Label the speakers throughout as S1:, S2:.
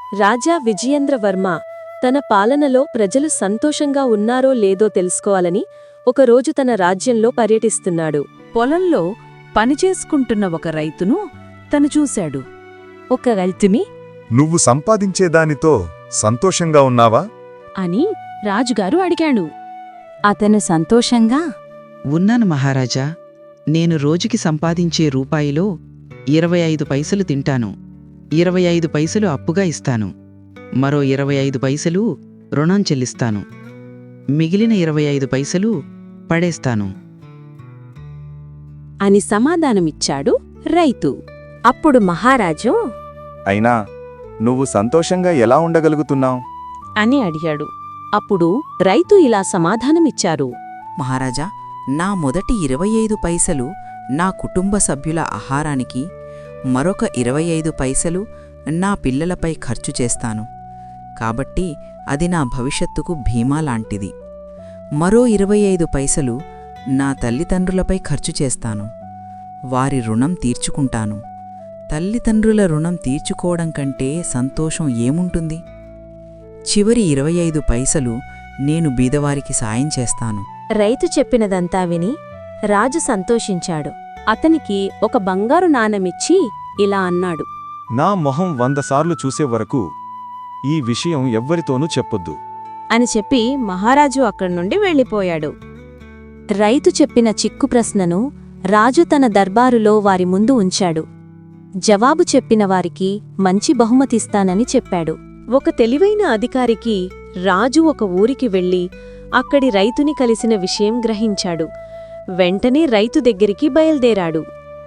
S1: రాజా విజయేంద్రవర్మ తన పాలనలో ప్రజలు సంతోషంగా ఉన్నారో లేదో తెలుసుకోవాలని ఒకరోజు తన రాజ్యంలో పర్యటిస్తున్నాడు.
S2: పొలంలో పనిచేసుకుంటున్న ఒక రైతును తను చూశాడు.
S1: ఒక రైతుని
S3: నువ్వు సంపాదించేదానితో సంతోషంగా ఉన్నావా
S2: అని రాజుగారు అడిగాడు.
S1: అతను సంతోషంగా
S4: ఉన్నాను మహారాజా. నేను రోజుకి సంపాదించే రూపాయిలో 25 పైసలు తింటాను, 25 పైసలు అప్పుగా ఇస్తాను, మరో 25 పైసలు రుణం చెల్లిస్తాను, మిగిలిన 25 పైసలు పడేస్తాను
S1: అని సమాధానమిచ్చాడు రైతు. అప్పుడు మహారాజు
S3: అయినా నువ్వు సంతోషంగా ఎలా ఉండగలుగుతున్నావు
S1: అని అడిగాడు. అప్పుడు రైతు ఇలా సమాధానమిచ్చారు.
S5: మహారాజా, నా మొదటి 25 పైసలు నా కుటుంబ సభ్యుల ఆహారానికి, మరొక 25 పైసలు నా పిల్లలపై ఖర్చు చేస్తాను. కాబట్టి అది నా భవిష్యత్తుకు భీమా లాంటిది. మరో 25 పైసలు నా తల్లిదండ్రులపై ఖర్చు చేస్తాను, వారి రుణం తీర్చుకుంటాను. తల్లిదండ్రుల రుణం తీర్చుకోవడం కంటే సంతోషం ఏముంటుంది? చివరి 25 పైసలు నేను బీదవారికి సాయం చేస్తాను.
S1: రైతు చెప్పినదంతా విని రాజు సంతోషించాడు. అతనికి ఒక బంగారు నాణెమిచ్చి ఇలా అన్నాడు.
S3: నా మొహం 100 సార్లు చూసే వరకు ఈ విషయం ఎవ్వరితోనూ చెప్పొద్దు
S1: అని చెప్పి మహారాజు అక్కడి నుండి వెళ్ళిపోయాడు. రైతు చెప్పిన చిక్కు ప్రశ్నను రాజు తన దర్బారులో వారి ముందు ఉంచాడు. జవాబు చెప్పిన వారికి మంచి బహుమతిస్తానని చెప్పాడు. ఒక తెలివైన అధికారికి రాజు ఒక ఊరికి వెళ్ళి అక్కడి రైతుని కలిసిన విషయం గ్రహించాడు. వెంటనే రైతు దగ్గరికి బయల్దేరాడు.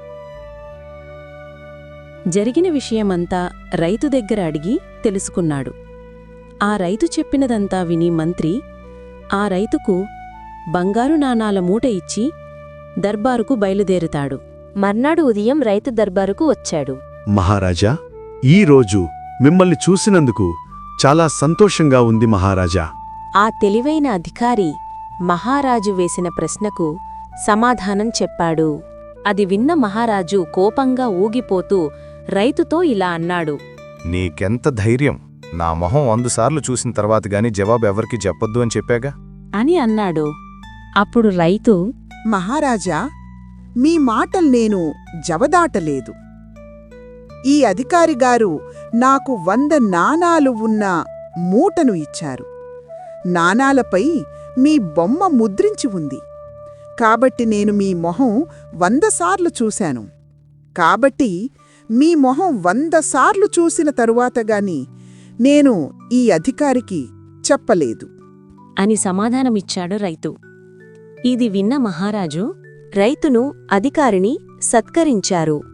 S1: జరిగిన విషయమంతా రైతు దగ్గర అడిగి తెలుసుకున్నాడు. ఆ రైతు చెప్పినదంతా విని మంత్రి ఆ రైతుకు బంగారు నాణాల మూట ఇచ్చి దర్బారుకు బయలుదేరుతాడు. మర్నాడు ఉదయం రైతు దర్బారుకు వచ్చాడు.
S6: మహారాజా, ఈరోజు మిమ్మల్ని చూసినందుకు చాలా సంతోషంగా ఉంది మహారాజా.
S1: ఆ తెలివైన అధికారి మహారాజు వేసిన ప్రశ్నకు సమాధానం చెప్పాడు. అది విన్న మహారాజు కోపంగా ఊగిపోతూ రైతుతో ఇలా అన్నాడు.
S3: నీకెంత ధైర్యం! నా మొహం 100 సార్లు చూసిన తర్వాత గాని జవాబు ఎవరికి చెప్పొద్దు అని చెప్పాగా
S2: అని అన్నాడు. అప్పుడు రైతు,
S7: మహారాజా, మీ మాటలు నేను జవదాటలేదు. ఈ అధికారిగారు నాకు 100 నాణాలు ఉన్న మూటను ఇచ్చారు. నాణాలపై మీ బొమ్మ ముద్రించి ఉంది. కాబట్టి నేను మీ మొహం 100 సార్లు చూశాను. కాబట్టి మీ మొహం 100 సార్లు చూసిన తరువాతగాని నేను ఈ అధికారికి చెప్పలేదు
S1: అని సమాధానమిచ్చాడు రైతు. ఇది విన్న మహారాజు రైతును అధికారిని సత్కరించారు.